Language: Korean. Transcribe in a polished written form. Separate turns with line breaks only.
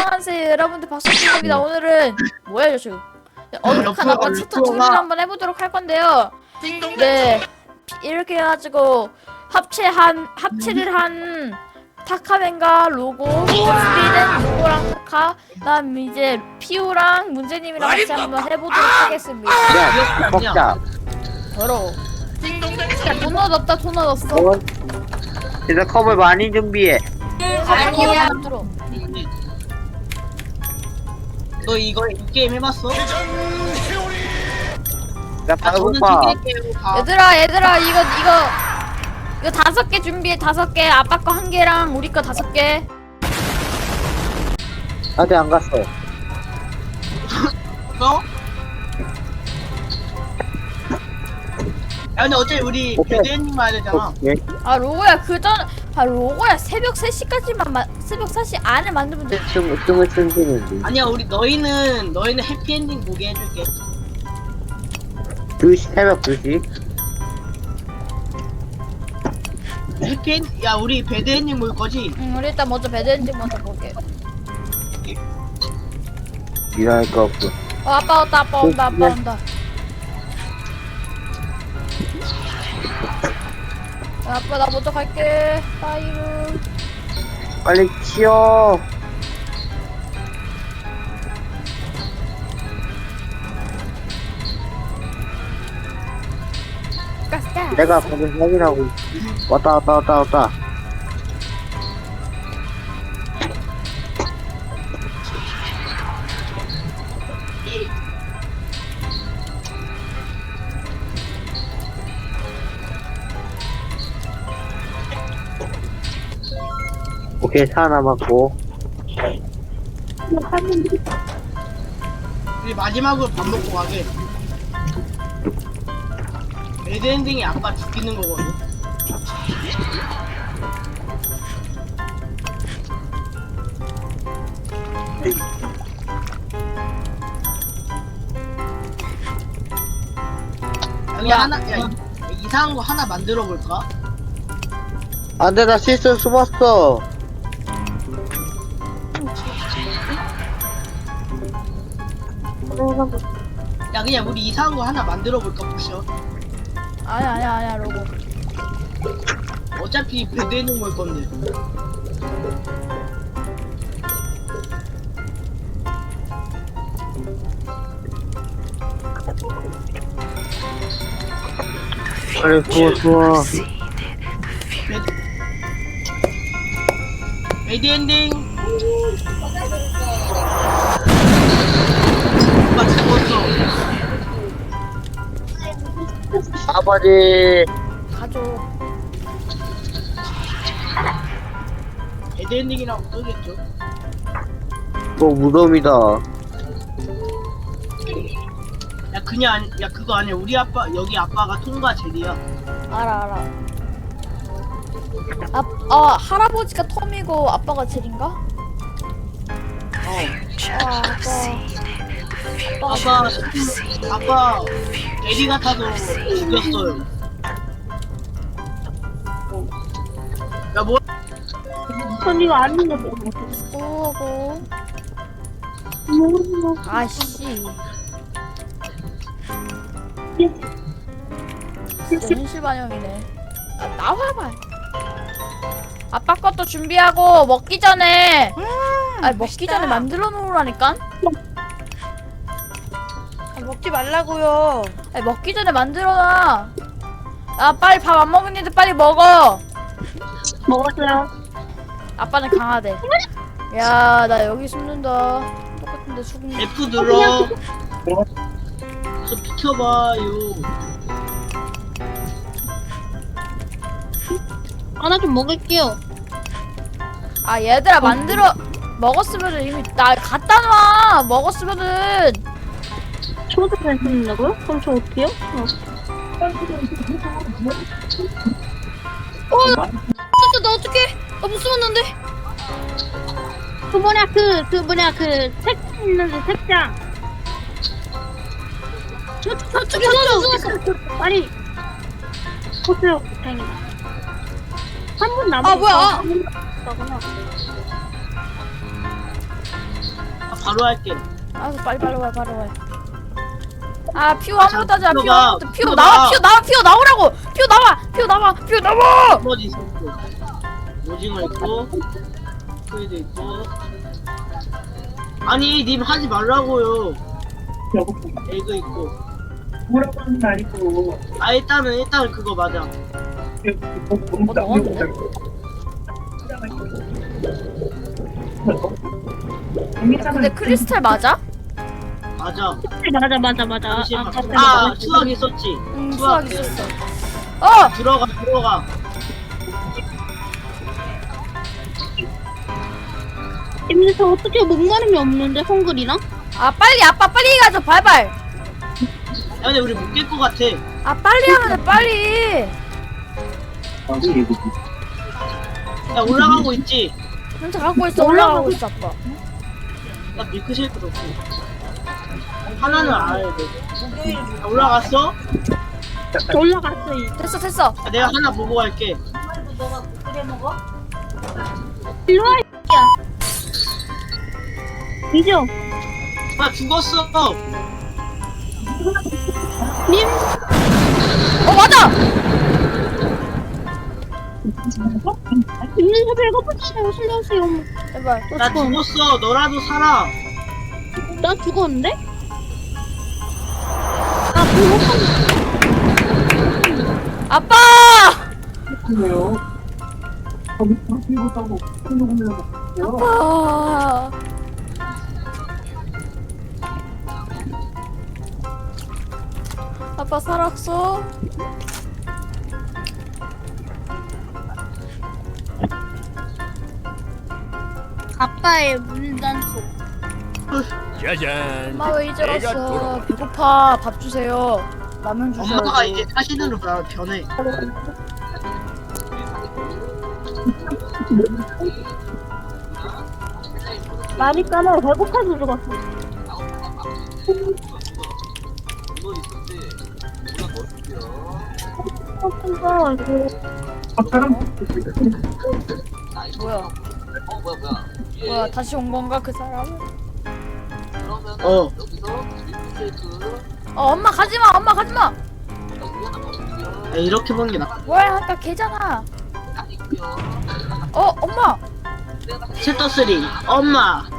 안녕하세요 여러분들 박수입니다. 오늘은 뭐야 저 지금 어둑한 아빠 채터 정리를 한번 해보도록 할 건데요. 네 이렇게 해가지고 합체를 한 타카맨과 로고, 스피는 로고랑 타카, 그다음 이제 피우랑 문제님이랑 같이 한번 해보도록 하겠습니다.
야, 먹자.
더러워. 야 도넛 없다 도넛 없어.
그래서 컵을 많이 준비해.
아니야. 들어.
너 이거 이 게임 해봤어?
나
저는
봐봐.
튀길게요. 다.
얘들아 이거 5개 준비해. 5개. 아빠 거 1개랑 우리 거 5개.
아직 안 갔어.
너? 야 근데 어차피 우리
오케이.
배드엔딩 가야 되잖아.
오케이.
아 로고야 새벽 3시까지만 새벽 3시 안에 만들면 돼.
춤을 춘지는데.
아니야 우리 너희는 해피엔딩 보게 해줄게.
2시, 새벽 2시.
야 우리 배드엔딩 볼 거지?
응 우리 일단 먼저 배드엔딩 먼저 볼게.
일할 거 없고.
아빠 온다 아빠 온다. 야, 아빠 나 먼저 갈게. 빠이루.
빨리 치워.
가스가.
내가 거기 확인하고. 왔다. 오케이, 4 남았고.
우리 마지막으로 밥 먹고 가게. 배드엔딩이 아빠 죽이는 거거든. 아니 야 이상한 거 하나 만들어 볼까?
안 돼, 나 실수 숨었어.
야 그냥 우리 이상한 거 하나 만들어 볼까 보셔.
아니야 로고.
어차피 배드엔딩 볼 건데.
빨리 좋아.
배드엔딩. 오빠 죽었어.
아버지.
가져.
배드엔딩이라고 써겠죠.
또 무덤이다.
야 그거 아니야. 우리 아빠 여기 아빠가 통과 젤이야.
알아. 할아버지가 톰이고 아빠가 젤인가?
아빠 대리 같아서 죽였어요. 야 뭐?
전 이거 아닌데 뭐.
오고. 아씨. 현실 반영이네. 나와봐. 아빠 것도 준비하고 먹기 전에. 먹기 전에 만들어 놓으라니까.
먹지 말라고요.
먹기 전에 만들어놔. 빨리 밥 안 먹은 애들 빨리 먹어.
먹었어요.
아빠는 강하대. 야, 나 여기 숨는다. 똑같은데 숨는다.
F 눌러. 저 비켜봐요.
하나 좀 먹을게요.
얘들아 먹었으면은 이미 나 갖다 놔. 먹었으면은.
저도 괜찮냐고요? 그럼 저 어떻게요? 진짜 나 어떡해? 나 못 숨었는데. 그 책장 있는데 책장. 저 아니. 보세요. 다행이다. 3분 남았어.
뭐야?
바로 할게.
알았어 빨리 와. 아 퓨 아무것도 하지 마. 퓨
들어가.
아무것도 퓨
들어가.
나와 퓨 나오라고. 퓨 나와.
나머지 있어. 오징어 있고 스퀴드 있고. 아니 님 하지 말라고요. 에그 있고.
뭐라고 하는 거 아니고
아 일단 그거 맞아.
너무
넣었는데? 근데 크리스탈 맞아?
맞아.
맞아.
잠시만.
맞다,
아
맞다.
수학 있었지.
응
수학
수학 있었어. 어
들어가.
근데 저 어떻게 목마름이 없는데 헝글이랑?
아 빨리 아빠 빨리 가자 발발.
야 근데 우리 못 깰 것 같아.
아 빨리 하면 돼 빨리.
야 올라가고 있지.
혼자 갖고 있어 올라가고 있어 아빠.
나 밀크쉐이크 넣고. 하나는 알아야 돼. 야, 올라갔어?
올라갔어 이제.
됐어.
야, 내가 하나 보고 갈게.
일로 와 이야. 이죠?
나 죽었어.
님
맞아.
님들 배고프시네요. 살려주세요.
제발.
나 죽었어. 너라도 살아.
나 죽었는데? 나 배고파.
아빠. 아. 아빠 살았어?
아빠의 물단속.
짜잔.
엄마 왜 이제
내가
왔어?
돌아왔다.
배고파. 밥 주세요. 라면 주세요.
엄마가 이제 사신으로 변해.
말있잖아 배고파서 죽었어.
뭐야? 뭐야? 다시 온 건가 그 사람?
어.
엄마 가지 마. 엄마 가지 마.
야, 이렇게 보는 게 나.
뭐야? 아까 걔잖아. 엄마.
챕터 3. 엄마.